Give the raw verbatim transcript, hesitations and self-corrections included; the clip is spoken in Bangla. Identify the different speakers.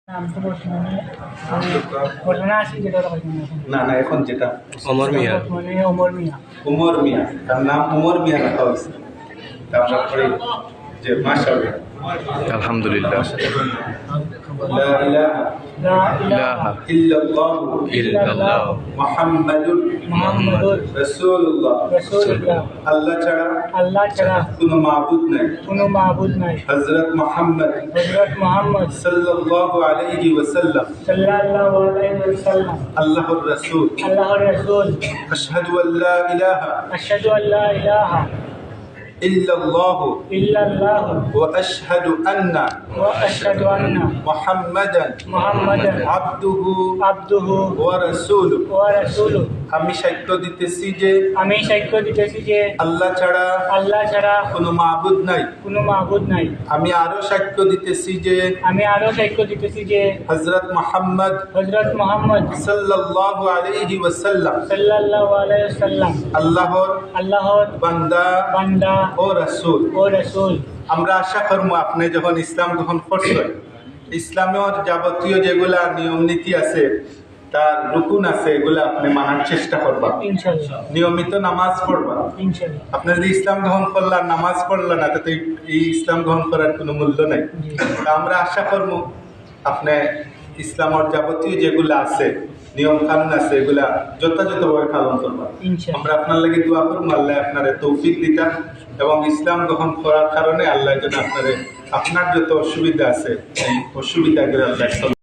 Speaker 1: আমি তো বর্তমানে আমি বর্তমানে আছি যেটা
Speaker 2: না না এখন যেটা
Speaker 3: ওমর মিয়া
Speaker 1: বর্তমানে ওমর মিয়া
Speaker 2: উমর মিয়া, তার নাম উমর মিয়া রাখা হয়েছে। তারপরে যে মাশাআল্লাহ,
Speaker 3: আলহামদুলিল্লাহ
Speaker 2: লা ইলাহা
Speaker 1: লা
Speaker 3: ইলাহা
Speaker 2: ইল্লাল্লাহ
Speaker 3: ইল্লাল্লাহ
Speaker 2: মুহাম্মাদুর
Speaker 1: মুহাম্মাদুর
Speaker 2: রাসূলুল্লাহ।
Speaker 1: রাসূলুল্লাহ
Speaker 2: আল্লাহ ছাড়া
Speaker 1: আল্লাহ ছাড়া
Speaker 2: কোনো মাবুদ নাই।
Speaker 1: কোনো মাবুদ নাই।
Speaker 2: হযরত মুহাম্মদ
Speaker 1: হযরত মুহাম্মদ
Speaker 2: সাল্লাল্লাহু আলাইহি ওয়াসাল্লাম
Speaker 1: সাল্লাল্লাহু আলাইহি ওয়াসাল্লাম
Speaker 2: আল্লাহর রাসূল।
Speaker 1: আল্লাহর রাসূল।
Speaker 2: আশহাদু আল্লা ইলাহা
Speaker 1: আশহাদু আল্লা ইলাহা
Speaker 2: ইল্লাল্লাহ
Speaker 1: ইল্লাল্লাহ
Speaker 2: ওয়া আশহাদু আন্না
Speaker 1: ওয়া আশহাদু আন্না
Speaker 2: মুহাম্মাদান
Speaker 1: মুহাম্মাদান
Speaker 2: আবদুহু
Speaker 1: আবদুহু
Speaker 2: ওয়া রাসূলুহু।
Speaker 1: ওয়া রাসূলুহু।
Speaker 2: আমি সাক্ষ্য দিতেছি যে
Speaker 1: আমি সাক্ষ্য দিতেছি যে
Speaker 2: আল্লাহ ছাড়া
Speaker 1: আল্লাহ ছাড়া
Speaker 2: কোনো মাবুদ নাই।
Speaker 1: কোনো মাবুদ নাই।
Speaker 2: আমি আরো সাক্ষ্য দিতেছি যে
Speaker 1: আমি আরো সাক্ষ্য দিতেছি যে
Speaker 2: হযরত মুহাম্মদ
Speaker 1: হযরত মুহাম্মদ
Speaker 2: সাল্লাল্লাহু আলাইহি ওয়াসাল্লাম
Speaker 1: সাল্লাল্লাহু আলাইহি ওয়াসাল্লাম
Speaker 2: আল্লাহর
Speaker 1: আল্লাহর
Speaker 2: বান্দা
Speaker 1: বান্দা
Speaker 2: ও রাসূল।
Speaker 1: ও রাসূল।
Speaker 2: আমরা আশা করবো আপনি যখন ইসলাম গ্রহণ করছেন, ইসলামের যাবতীয় যেগুলা নিয়ম নীতি আছে, তার রুকুন আছে, এগুলা আপনি মানার চেষ্টা করবা।
Speaker 1: ইনশাআল্লাহ
Speaker 2: নিয়মিত নামাজ পড়বা।
Speaker 1: ইনশাআল্লাহ।
Speaker 2: আপনি যদি ইসলাম গ্রহণ করলেন, নামাজ পড়লেন না, তাতে এই ইসলাম গ্রহণ করার কোনো মূল্য নাই। তা আমরা আশা করবো আপনি ইসলামের যাবতীয় যেগুলা আছে, নিয়ম কানুন আছে, এগুলা যথাযথভাবে পালন করবা।
Speaker 1: ইনশাআল্লাহ।
Speaker 2: আমরা আপনার লাগি দোয়া করবো, আল্লাহ আপনারে তৌফিক দিতা এবং ইসলাম গ্রহণ করার কারণে আল্লাহ যেন আপনারে আপনার যত অসুবিধা আছে এই অসুবিধাগুলো আল্লাহ